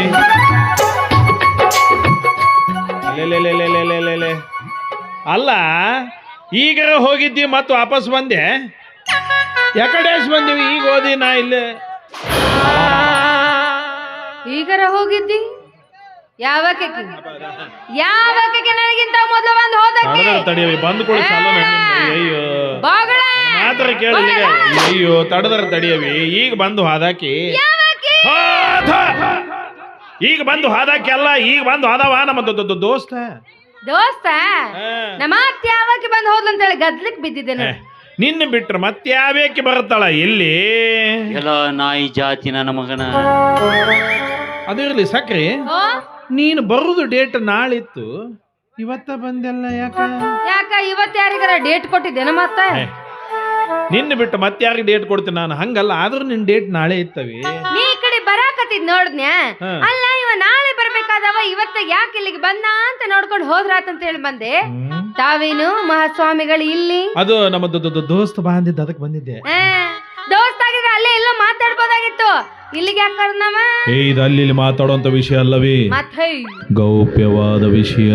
ಅಲ್ಲ ಈಗರ ಹೋಗಿದ್ದಿ ಮತ್ತು ವಾಪಸ್ ಬಂದೆ, ಯಾಕಡೆ ಬಂದೀವಿ ಈಗ ಓದಿ ನಾ ಇಲ್ಲೇ. ಈಗರ ಹೋಗಿದ್ದಿ ಯಾವಕ್ಕೆ ನನಗಿಂತ ಮೊದಲು ಬಂದು ಹೋದಕ್ಕೆ ತಡಿಯವಿ ಬಂದ್ಕೊಳ್ಳಿ ಚಾಲು ಅಯ್ಯೋ ಬಾಗಳ ಮಾತ್ರ ಕೇಳಿ ಅಯ್ಯೋ ತಡದ್ರ ತಡಿಯವಿ ಈಗ ಬಂದು ಹಾದಾಕಿ ಈಗ ಬಂದು ಹಾದಾಕಿ ಅಲ್ಲ ಈಗ ಬಂದು ಹಾದವ ನಮ್ಮ ದೋಸ್ತ ದೋಸ್ತ ನಮ್ಮ ಅತ್ತೆ ಯಾವಕ್ಕೆ ಬಂದು ಹೋದ್ಲಂತೇಳಿ ಗದ್ಲಿಕ್ ಬಿದ್ದಿದ್ದೇನೆ. ನಿನ್ನ ಬಿಟ್ರೆ ಮತ್ತೆ ಯಾವ್ಯಾಕೆ ಬರುತ್ತಾಳ ಎಲ್ಲಿ ಎಲ್ಲ ನಾಯಿ ಜಾತಿ ನನ್ನ ಮಗನ. ಅದಿರ್ಲಿ ಸಕ್ರಿ ನೀನು ಬರುದು ಡೇಟ್ ನಾಳಿತ್ತು, ಇವತ್ತ ಬಂದೆಲ್ಲ ಯಾಕ ಇವತ್ತು ಯಾರಿಗಾರ ಡೇಟ್ ಕೊಟ್ಟಿದ್ದೇನ ಮತ್ತ ನಿನ್ನ ಬಿಟ್ಟು ಮತ್ತೆ ಯಾರಿಗೆ ಡೇಟ್ ಕೊಡ್ತೀನಿ ನಾನು, ಹಂಗಲ್ಲ ಆದ್ರೂ ನಿನ್ ಡೇಟ್ ನಾಳೆ ಇತ್ತವಿ. ನೀ ಈ ಕಡೆ ಬರಾಕತ್ತಿದ್ ನೋಡ್ದ್ನ್ಯಾ, ಅಲ್ಲ ಇವ ನಾಳೆ ಬರ್ಬೇಕಾದವ ಇವತ್ತ ಯಾಕೆ ಇಲ್ಲಿಗೆ ಬಂದ ಅಂತ ನೋಡ್ಕೊಂಡು ಹೋದ್ರಾತಂತ ಹೇಳಿ ಬಂದೆ. ತಾವೇನು ಮಹಾಸ್ವಾಮಿಗಳು ಇಲ್ಲಿ? ಅದು ನಮ್ಮ ದೋಸ್ತ ಬಂದಿದ್ದ ಅದಕ್ಕೆ ಬಂದಿದ್ದೆ. ದೋಸ್ತ ಆಗಿದ್ರೆ ಅಲ್ಲೇ ಎಲ್ಲ ಮಾತಾಡ್ಬೋದಾಗಿತ್ತು, ಇಲ್ಲಿಗೆ ಯಾಕೆ ಕರ್ದವ? ಇದು ಅಲ್ಲಿ ಮಾತಾಡುವಂತ ವಿಷಯ ಅಲ್ಲವೇ, ಗೌಪ್ಯವಾದ ವಿಷಯ.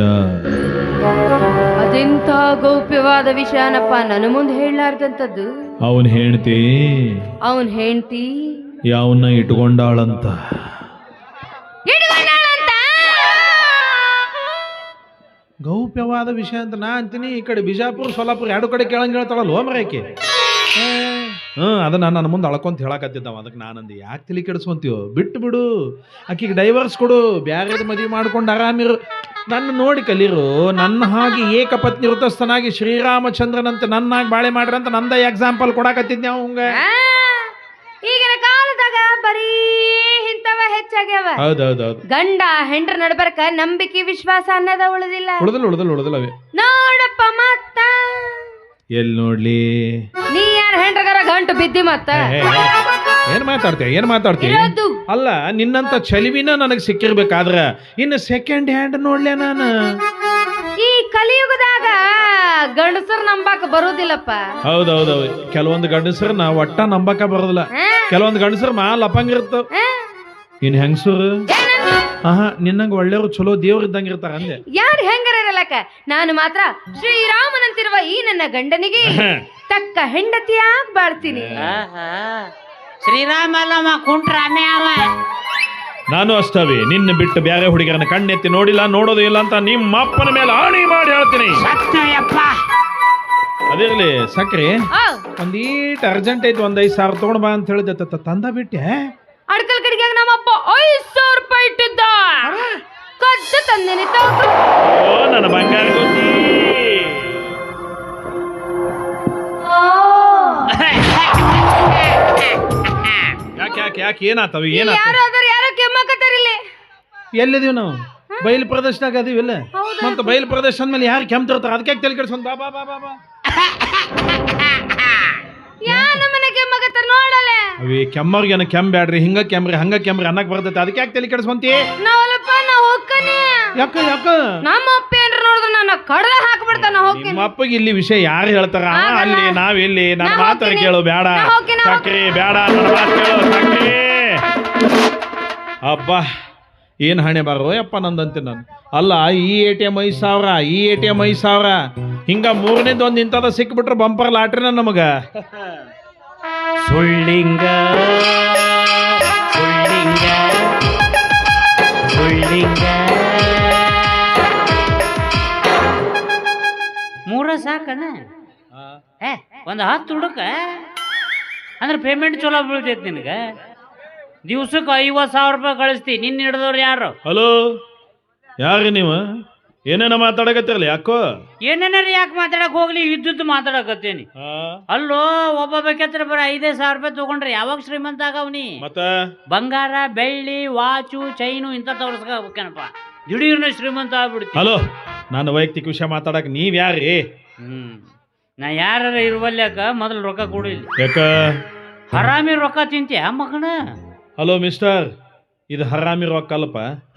ಅದೆಂತ ಗೌಪ್ಯವಾದ ವಿಷಯನಪ್ಪ, ನನ್ನ ಮುಂದೆ ಹೇಳಲಾರ್ದಂತದ್ದು. ಅವನ್ ಹೆಂಡ್ತಿ ಯಾವನ್ನ ಇಟ್ಕೊಂಡಾಳಂತ. ಗೌಪ್ಯವಾದ ವಿಷಯ ಅಂತ ನಾ ಅಂತೀನಿ, ಈ ಕಡೆ ಬಿಜಾಪುರ ಸೋಲಾಪುರ ಎರಡು ಕಡೆ ಕೇಳಂಗ್ ಹೇಳ್ತಾಳಲ್ಲ ಹೋಮ್ರಾಕಿ. ಅದನ್ನ ನನ್ನ ಮುಂದೆ ಅಳ್ಕೊಂತ ಹೇಳಕತ್ತಿದ್ದವ, ಅದಕ್ಕೆ ನಾನಂದು ಯಾಕೆ ತಲೆ ಕೆಡಿಸ್ಕೊಂತೀವೋ, ಬಿಟ್ಟು ಬಿಡು, ಆಕಿಗೆ ಡೈವರ್ಸ್ ಕೊಡು, ಬ್ಯಾರೇದು ಮದುವೆ ಮಾಡ್ಕೊಂಡು ಆರಾಮಿರು, ನನ್ನ ನೋಡಿ ಕಲೀರು. ನನ್ನ ಹಾಗೆ ಏಕಪತ್ನಿ ವೃತಸ್ಥನಾಗಿ ಶ್ರೀರಾಮಚಂದ್ರನಂತೆ ನನ್ನಾಗಿ ಬಾಳೆ ಮಾಡ್ರಿ ಅಂತ ನಂದ ಎಕ್ಸಾಂಪಲ್ ಕೊಡಾಕತ್ತಿದ್ದೆ ಅವಂಗ. ಈಗಿನ ಕಾಲದಾಗ ಬರೀ ಇಂಥವ ಹೆಚ್ಚಾಗ್ಯಾವ. ಹೌದೌದೌದು, ಗಂಡ ಹೆಂಡ್ರ ನಡ್ಬರ್ಕ ನಂಬಿಕೆ ವಿಶ್ವಾಸ ಅನ್ನೋದ ಉಳಿದಿಲ್ಲ. ಉಳಿದಲ್ಲವೇ ನೋಡಪ್ಪ ಮತ್ತ ಎಲ್ಲಿ ನೋಡ್ಲಿ, ನೀ ಯಾರ ಹೆಂಡ್ರಗಾರ ಗಂಟು ಬಿದ್ದಿ ಮತ್ತ ಏನ್ ಮಾತಾಡ್ತೀಯ ಅಲ್ಲ, ನಿನ್ನಂತ ಚಲಿವಿನ ನನಗೆ ಸಿಕ್ಕಿರ್ಬೇಕಾದ್ರ ಇನ್ನು ಸೆಕೆಂಡ್ ಹ್ಯಾಂಡ್ ನೋಡ್ಲೆ ನಾನು. ಈ ಕಲಿಯುಗದಾಗ ಗಂಡಸರ್ ನಂಬಾಕ ಬರುದಿಲ್ಲಪ್ಪ. ಹೌದೌದೌದು, ಕೆಲವೊಂದು ಗಂಡಸರನ್ನ ಒಟ್ಟ ನಂಬಕ ಬರೋದಿಲ್ಲ, ಕೆಲವೊಂದು ಗಂಡಸರ್ ಮಾಲ್ ಅಪ್ಪಂಗಿರುತ್ತ. ಇನ್ ಹೆಂಗಸರು ನಿನ್ನಂಗ ಒಳ್ಳೆಯವ್ರು ಚಲೋ ದೇವ್ರ ಇದ್ದಂಗ ಇರ್ತಾರ ಅಂದೆ. ಯಾರು ಹೆಂಗಾರ ಇರಲಕ್ಕ, ನಾನು ಮಾತ್ರ ಶ್ರೀರಾಮನಂತಿರುವ ಈ ನನ್ನ ಗಂಡನಿಗೆ ತಕ್ಕ ಹೆಂಡತಿಯಾಗಿ ಬಾಳ್ತೀನಿ. ಶ್ರೀರಾಮ ಅಲ್ಲಮ್ಮ ಕುಂಟ್ರ ಅವ. ನಾನು ಅಷ್ಟವೇ, ನಿನ್ನ ಬಿಟ್ಟು ಬೇರೆ ಹುಡುಗರನ್ನ ಕಣ್ಣೆತ್ತಿ ನೋಡಿಲ್ಲ, ನೋಡೋದು ಇಲ್ಲ ಅಂತ ನಿಮ್ಮ ಅಪ್ಪನ ಮೇಲೆ ಆಣಿ ಮಾಡಿ ಹೇಳ್ತೀನಿ. ಅದಿರ್ಲಿ ಸಕ್ರಿ, ಒಂದೀಟ್ ಅರ್ಜೆಂಟ್ ಐತಿ, 5,000 ತಗೊಂಡ್ ಬಾ ಅಂತ ಹೇಳಿದೆ, ತಂದ ಬಿಟ್ಟೆ. ಅಡ್ಕಲ್ ಕಡೆಗೆ ನಮ್ಮಪ್ಪ 5,000 ರೂಪಾಯಿ ಇಟ್ಟಿದ್ದ, ಕದ್ದ ತಂದೇನಿ. ಓ ನನ್ನ ಬಂಗಾರ ಗೊತ್ತಿ. ಯಾಕೆ ಏನಾತವ ಯಾರೋ ಕೆಮ್ಮಕತ್ತಾರಿಲ್ಲಿ. ಎಲ್ಲಿದೀವಿ ನಾವು? ಬಯಲು ಪ್ರದೇಶದಾಗ ಅದೀವಿಲ್ಲ, ಮತ್ತೆ ಬಯಲು ಪ್ರದೇಶ ಅಂದ್ಮೇಲೆ ಯಾರು ಕೆಮ್ತಿರ್ತಾರ, ಅದಕ್ಕೆ ತಲೆ ಕೆಡ್ಸ್ಕೊಂಡ್ ಬಾ ಬಾ ಬಾ ಬಾ ಬಾ. ಯಾ ನಮ್ಮನೆ ಕೆಮ್ಮಗತ್ತ ನೋಡಲೆ ಅವಿ ಕೆಮ್ಮರ್ಗೇನ ಕೆಮ್ಮ ಬ್ಯಾಡ್ರಿ ಹಿಂಗ ಕೆಮ್ರಿ ಹಂಗ ಕೆಮ್ರಿ ಅನ್ನಕ್ ಬರ್ತೈತೆ ಅದಕ್ಕೆ ಯಾಕೆ ತಲೆ ಕೆಡಿಸ್ಕೊಂತಿ? ನಾವಲ್ಲಪ್ಪ ನಾ ಹೋಗ್ಕನಿ ಯಾಕ ಯಾಕ ನಮ್ಮ ಅಪ್ಪ ಏನ್ರ ನೋಡಿದ್ರೆ ನನ್ನ ಕಡ್ದ ಹಾಕ್ಬಿಡ್ತಾನ ಹೋಗ್ತೀನಿ ನಿಮ್ಮ ಅಪ್ಪಗೆ ಇಲ್ಲಿ ವಿಷಯ ಯಾರು ಹೇಳ್ತಾರ? ಆಗಲ್ಲ. ಅಲ್ಲಿ ನಾವೆಲ್ಲಿ ನನ್ನ ನಾ ಮಾತಾಡ ಹೋಗ್ತೀನಿ. ಕೇಳು ಬೇಡ ನಾ ಹೋಗ್ತೀನಿ, ನಾ ಸಕ್ರಿ ಬೇಡ ನನ್ನ ಮಾತು ಕೇಳು ಸಕ್ರಿ. ಅಬ್ಬಾ ಏನ್ ಹಣೆ ಬಾರೋ ಯಪ್ಪ ನಂದಂತೆ ನಾನು. ಅಲ್ಲ ಈ ATM 5,000 ಈ ATM 5,000 ಹಿಂಗ ಮೂರನೇದು ಒಂದ್ ಇಂಥದ ಸಿಕ್ಬಿಟ್ರೆ ಬಂಪರ್ ಲಾಟ್ರಿನ ನಮಗ. ಸುಳ್ಳಿಂಗ ಸುಳ್ಳಿಂಗ ಸುಳ್ಳಿಂಗ ಮೂರ ಸಾಕನ ಒಂದು 10 ಹುಡುಕ ಅಂದ್ರೆ ಪೇಮೆಂಟ್ ಚಲೋ ಬೀಳ್ತೈತಿ ನಿನಗೆ. ದಿವ್ಸಕ್ಕೆ 50,000 ರೂಪಾಯಿ ಕಳಿಸ್ತಿ. ನಿನ್ನ ಹಿಡಿದವ್ರು ಯಾರು? ಹಲೋ ಯಾರು ನೀವು? ಏನೇನ ಮಾತಾಡಕತ್ತಿರಲ್ಲ ಯಾಕೋ? ಏನೇನಾರ ಯಾಕೆ ಮಾತಾಡಕ್ ಹೋಗ್ಲಿ, ಇದ್ದುದ್ದು ಮಾತಾಡಕತ್ತೇನಿ. ಅಲ್ಲೋ ಒಬ್ಬ ಬೇಕತ್ರ ಬರ 5,000 ರೂಪಾಯಿ ತಗೊಂಡ್ರೆ ಯಾವಾಗ ಶ್ರೀಮಂತ ಆಗವ್ನಿ? ಮತ್ತ ಬಂಗಾರ ಬೆಳ್ಳಿ ವಾಚು ಚೈನು ಇಂಥ ತೋರ್ಸ್ಕೇನಪ್ಪ, ದಿಢೀರ್ನ ಶ್ರೀಮಂತ ಆಗ್ಬಿಡ್ತಿ. ಹಲೋ ನನ್ನ ವೈಯಕ್ತಿಕ ವಿಷಯ ಮಾತಾಡಕ್ ನೀವ್ ಯಾರ್ರಿ? ನಾ ಯಾರ ಇರುವಲ್ಯಾಕ ಮೊದಲು ರೊಕ್ಕ ಕೊಡಿಲ್ಲ. ಯಾಕ ಹರಾಮಿ ರೊಕ್ಕ ತಿಂತೀಯ ಮಗನ? ಹಲೋ ಮಿಸ್ಟರ್, ಇದು ಹರಾಮಿ ರೊಕ್ಕ ಅಲ್ಲಪ್ಪ.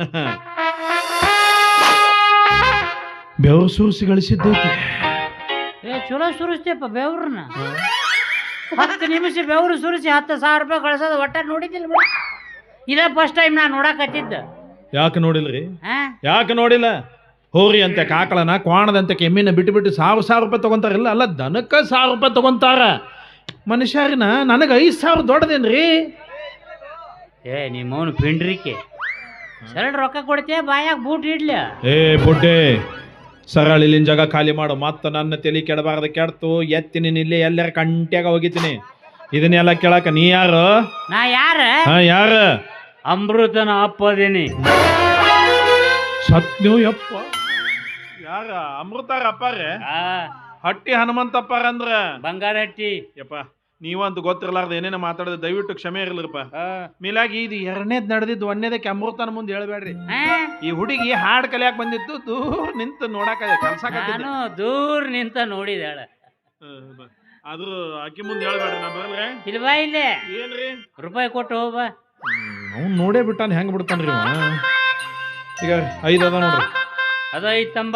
ಬೆವರು ಸೂರಿಸಿ ಗಳಿಸಿದ್ದೈತಿ. ಚಲೋ ಸುರಿಸ್ತೇಪ ಬೆವ್ರನ್ನ. 10 ನಿಮಿಷ ಬೆವರು ಸುರಿಸಿ 10,000 ರೂಪಾಯಿ ಕಳ್ಸೋದು ಒಟ್ಟ ನೋಡಿದ್ದಿಲ್ಲ ಬಿಡ. ಇದೇ ಫಸ್ಟ್ ಟೈಮ್ ನಾ ನೋಡಕತ್ತಿದ್ದ. ಯಾಕೆ ನೋಡಿಲ್ರಿ? ಯಾಕೆ ನೋಡಿಲ್ಲ? ಹೋರಿ ಅಂತೆ ಕಾಕಳನ ಕ್ವಾಣದಂತೆ ಕೆಮ್ಮಿನ ಬಿಟ್ಟು 1,000 ರೂಪಾಯಿ ತಗೊಂತಾರಿಲ್ಲ. ಅಲ್ಲ ದನಕ್ಕ 1,000 ರೂಪಾಯಿ ತಗೊಂತಾರ. ಮನುಷ್ಯರಿನ ನನಗೆ 5,000 ದೊಡ್ಡದೇನ್ರಿ? ನಿಮ್ಮವನು ಪಿಂಡ್ರಿಕೆ ಸರಳ ರೊಕ್ಕ ಕೊಡ್ತೇ ಬಾಯಾಗ ಬೂಟ್ ಇಡ್ಲ. ಬುಡ್ಡೆ ಸರಳ ಇಲ್ಲಿನ ಜಾಗ ಖಾಲಿ ಮಾಡು. ಮತ್ತ ನನ್ನ ತಲೆ ಕೆಡಬಾರ್ದು, ಕೆಡ್ತು ಎತ್ತೀನಿ ಇಲ್ಲಿ ಎಲ್ಲರ ಕಂಟ್ಯಾಗ ಹೋಗಿತೀನಿ. ಇದನ್ನೆಲ್ಲ ಕೇಳಕ ನೀ ಯಾರು? ನಾ ಯಾರ? ಯಾರ? ಅಮೃತನ ಅಪ್ಪದೇನಿ. ಸತ್ಯೋ ಯಪ್ಪ. ಯಾರ? ಅಮೃತಾರ ಅಪ್ಪಾರೆ? ಹಟ್ಟಿ ಹನುಮಂತಪ್ಪಾರ ಅಂದ್ರ ಬಂಗಾರ ಹಟ್ಟಿ. ಯಪ್ಪ ನೀವಂತ ಗೊತ್ತಿರಲಾರ್ದ ಏನೇನ ಮಾತಾಡಿದ ದಯವಿಟ್ಟು ಕ್ಷಮೆ ಇರ್ಲಿರಪ್ಪ. ಮೇಲಾಗಿ ಇದು 2ನೇದ್ ನಡೆದಿದ್ದು 1ನೇದಕ್ಕೆ ಅಮೃತನ ಮುಂದೆ ಹೇಳ್ಬೇಡ್ರಿ. ಈ ಹುಡುಗಿ ಹಾಡ್ ಕಲಿಯಾಕ ಬಂದಿತ್ತು, ದೂರ ನಿಂತು ನೋಡಾಕ ಕಲ್ಸಾಕತ್ತಿದ್ದೆ. ನಾನು ದೂರ ನಿಂತ ನೋಡಿದಾಳ. ಆದ್ರೂ ಆಕಿ ಮುಂದೆ ಹೇಳ್ಬೇಡ್ರಿ, ನಾ ಬರ್ಲ್ರೆ. ಇಲ್ವಾ ಇಲ್ಲೇ ಏನ್ರಿ ರೂಪಾಯಿ ಕೊಟ್ಟು ಹೋಗ. ಅವ್ನು ನೋಡೇ ಬಿಟ್ಟಾನ, ಹೆಂಗ್ ಬಿಡ್ತಾನ್ರಿ ಈಗ 5 ಅದ ನೋಡ್ರಿ. ಅದ ಐತಂಬ.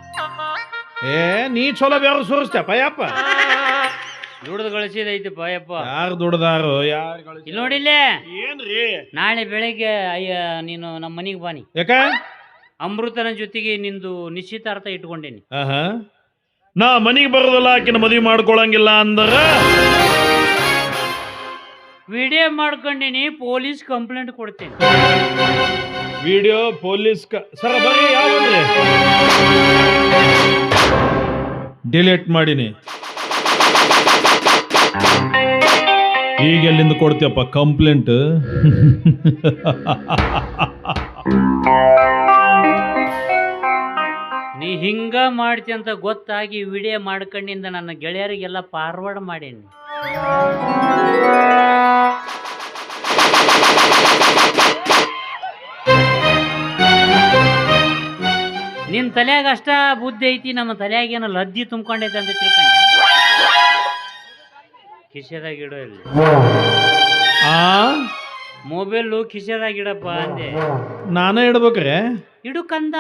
ನೀ ಚಲೋ ಬೇರೆ ಸುರಿಸ್ತೇಪ ಯಪ್ಪ. ದುಡ್ದು ಗಳಿಸಿದೈತಪ್ಪ ಯಪ್ಪ. ಯಾರು ದುಡ್ದಾರು? ಯಾರು ಇಲ್ಲಿ ನೋಡಿಲ್ಲೇ. ಏನ್ರಿ? ನಾಳೆ ಬೆಳಗ್ಗೆ ನೀನು ನಮ್ಮ ಮನೆಗೆ ಬಾನಿ. ಯಾಕ? ಅಮೃತನ ಜೊತೆಗೆ ನಿಂದು ನಿಶ್ಚಿತಾರ್ಥ ಇಟ್ಕೊಂಡೇನಿ. ನಾ ಮನಿಗೆ ಬರೋದಲ್ಲ, ಆಕಿನ ಮದುವೆ ಮಾಡ್ಕೊಳಂಗಿಲ್ಲ ಅಂದ್ರ ವಿಡಿಯೋ ಮಾಡ್ಕೊಂಡಿನಿ, ಪೊಲೀಸ್ ಕಂಪ್ಲೇಂಟ್ ಕೊಡ್ತೇನೆ. ವಿಡಿಯೋ ಪೊಲೀಸ್ ಸರ ಬರ್ರಿ. ಯಾವ್ರಿ ಡಿಲೀಟ್ ಮಾಡಿನಿ. ಈಗ ಎಲ್ಲಿಂದ ಕೊಡ್ತೀಯಪ್ಪ ಕಂಪ್ಲೇಂಟ್? ನೀ ಹಿಂಗ ಮಾಡ್ತಿ ಅಂತ ಗೊತ್ತಾಗಿ ವಿಡಿಯೋ ಮಾಡ್ಕೊಂಡಿಂದ ನನ್ನ ಗೆಳೆಯರಿಗೆಲ್ಲ ಫಾರ್ವರ್ಡ್ ಮಾಡೇನಿ. ನಿನ್ ತಲೆಯಾಗ ಅಷ್ಟ ಬುದ್ಧಿ ಐತಿ, ನಮ್ಮ ತಲೆಯಾಗ ಏನೋ ಲದ್ದಿ ತುಂಬ್ಕೊಂಡೈತೆ ಅಂತ ತಿಳ್ಕೊಂಡೆ. ಕಿಸೆದಾಗ ಇಡೋ ಇಲ್ಲಿ ಮೊಬೈಲು ಕಿಸೆದಾಗ ಇಡಪ್ಪ ಅಂದೆ. ನಾನೇ ಇಡ್ಬೇಕ್ರೆ? ಇಡು ಕಂದ.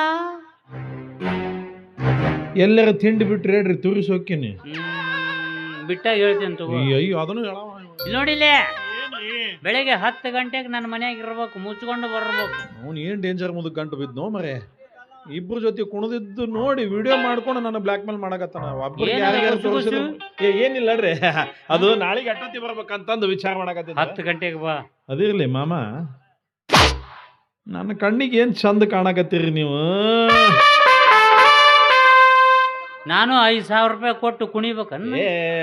ಎಲ್ಲರ ತಿಂಡಿ ಬಿಟ್ರಿ ಹೇಳ್ರಿ, ತುರಿಸಿ ಹೋಗ್ತೀನಿ. ಬಿಟ್ಟಾಗ ಹೇಳ್ತೇನೆ ತಗೋ. ಅಯ್ಯೋ ಅದನ್ನು ಇಲ್ಲಿ ನೋಡಿಲ್ಲೇ, ಬೆಳಿಗ್ಗೆ 10 ಗಂಟೆಗೆ ನನ್ನ ಮನ್ಯಾಗ ಇರ್ಬೇಕು, ಮುಚ್ಕೊಂಡು ಬರ್ಬೇಕು. ಅವ್ನು ಏನ್ ಡೇಂಜರ್ ಮುದಕ್ ಗಂಟು ಬಿದ್ನೋ ಮರೆ. ಇಬ್ರು ಜೊತೆ ಕುಣದಿದ್ದು ನೋಡಿ ವಿಡಿಯೋ ಮಾಡ್ಕೊಂಡು ನನ್ನ ಬ್ಲಾಕ್ ಮೇಲ್ ಮಾಡಕತ್ತಾನ. ಒಬ್ಬರಿಗೆ ಯಾರ್ಯಾರು ತೋರಿಸಿದ್ರು ಏನಿಲ್ಲಡ್ರಿ, ಅದು ನಾಳೆಗೆ ಅಟ್ಟತಿ ಬರ್ಬೇಕಂತಂದು ವಿಚಾರ ಮಾಡಕತ್ತಿದ್ದ. 10 ಗಂಟೆಗೆ ಬಾ. ಅದಿರ್ಲಿ ಮಾಮ, ನನ್ನ ಕಣ್ಣಿಗೆ ಏನ್ ಚಂದ ಕಾಣಕತ್ತೀರಿ ನೀವು. ನಾನು 5,000 ರೂಪಾಯಿ ಕೊಟ್ಟು ಕುಣಿಬೇಕನ್ನ.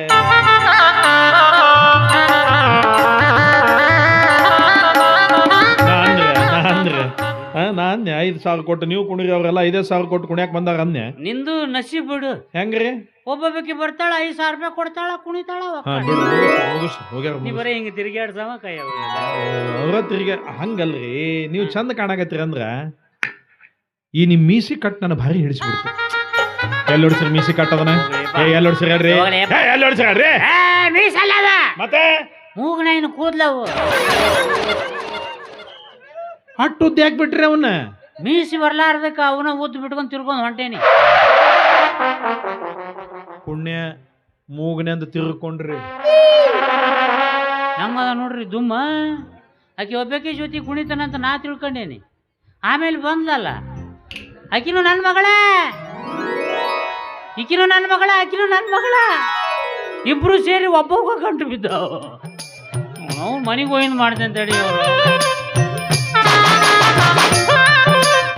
ನಾನ್ 5,000 ಕೊಟ್ಟು ನೀವು ಕುಣಿರಿ, ಅವ್ರೆಲ್ಲ 5,000 ಕೊಟ್ಟು ಕುಣಿಯಾಕ ಬಂದಾರ ಅಂದ್ಯ. ನಿಂದು ನಸೀಬ್ ಬಿಡು. ಹೆಂಗ್ರಿ? ಒಬ್ಬೊಬ್ಬಕಿ ಬರ್ತಾಳ, 5,000 ರೂಪಾಯಿ ಕೊಡ್ತಾಳ, ಕುಣಿತಾಳ. ನೀ ಬರೀ ಹಿಂಗ ತಿರುಗಾಡ್ಸವ ಕೈ ಅವ್ರ ತಿರ್ಗ ಹಂಗಲ್ರಿ. ನೀವು ಚಂದ ಕಾಣಕತ್ತೀರ ಅಂದ್ರ ಈ ನಿಮ್ ಮೀಸಿ ಕಟ್ ನನ್ನ ಭಾರಿ ಹಿಡಿಸ್ಬಿಡ್ತು. ಎಲ್ಲಿ ಹೊಡ್ಸಿರಿ ಮೀಸಿ ಕಟ್ಟದನ ಎಲ್ಲಿ ಹೊಡ್ಸಿರಿ ಹೇಳ್ರಿ ಎಲ್ಲಿ ಹೊಡ್ಸಿರಿ ಹೇಳ್ರಿ ಮೀಸಲ್ಲದ ಮತ್ತೆ ಮೂಗ್ನೇನು ಕೂದ್ಲವು ಅಟ್ಟು ಉದ್ದ ಯಾಕೆ ಬಿಟ್ರಿ ಅವನ್ನ ಮೀಸಿ ಬರ್ಲಾರ್ದಕ್ಕ ಅವನ ಉದ್ದು ಬಿಟ್ಕೊಂಡ್ ತಿರ್ಕೊಂಡ್ ಹೊಂಟೇನಿ. ಪುಣ್ಯ ಮೂಗನೆಂದು ತಿರ್ಕೊಂಡ್ರಿ. ಹೆಂಗದ ನೋಡ್ರಿ ದುಮ್ಮ. ಆಕೆ ಒಬ್ಬಾಕಿ ಜೊತೆ ಕುಣಿತಾನಂತ ನಾ ತಿಳ್ಕೊಂಡೇನಿ. ಆಮೇಲೆ ಬಂದ್ಲಲ್ಲ ಆಕಿನೂ ನನ್ನ ಮಗಳ, ಈಕಿನೂ ನನ್ನ ಮಗಳ, ಆಕಿನೂ ನನ್ನ ಮಗಳ, ಇಬ್ರು ಸೇರಿ ಒಬ್ಬೊಬ್ಬ ಗಂಟು ಬಿದ್ದಾವ. ಅವ್ನು ಮನೆಗೆ ಹೋಗಿಂದ ಮಾಡ್ತೇನೆ ತಡಿ ಅವರು.